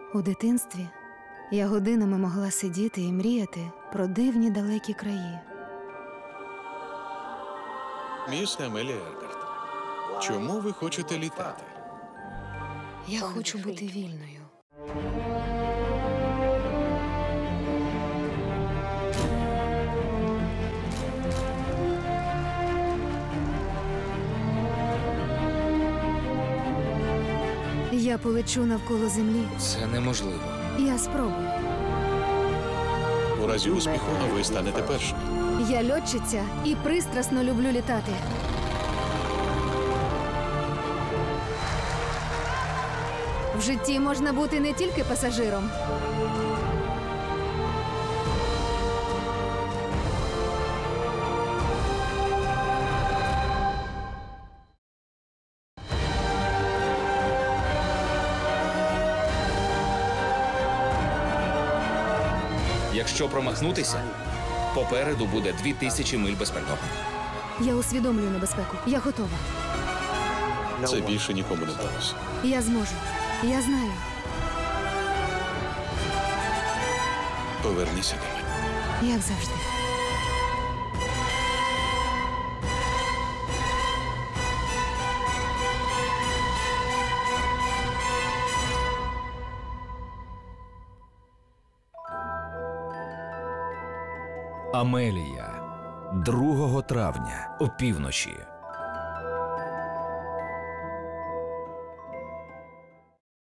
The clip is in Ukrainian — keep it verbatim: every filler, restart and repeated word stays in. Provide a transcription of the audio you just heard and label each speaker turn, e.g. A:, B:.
A: У дитинстві я годинами могла сидіти і мріяти про дивні далекі краї.
B: Міс Амелія Ергарт, чому ви хочете літати?
A: Я хочу бути вільною. Я полечу навколо землі.
C: Це неможливо.
A: Я спробую.
B: У разі успіху ви станете першим.
A: Я льотчиця і пристрасно люблю літати. В житті можна бути не тільки пасажиром.
C: Якщо промахнутися, попереду буде дві тисячі миль без пального.
A: Я усвідомлюю небезпеку. Я готова.
B: Це більше нікому не вдалося.
A: Я зможу. Я знаю.
B: Поверніться до мене.
A: Як завжди.
D: Амелія. другого травня опівночі.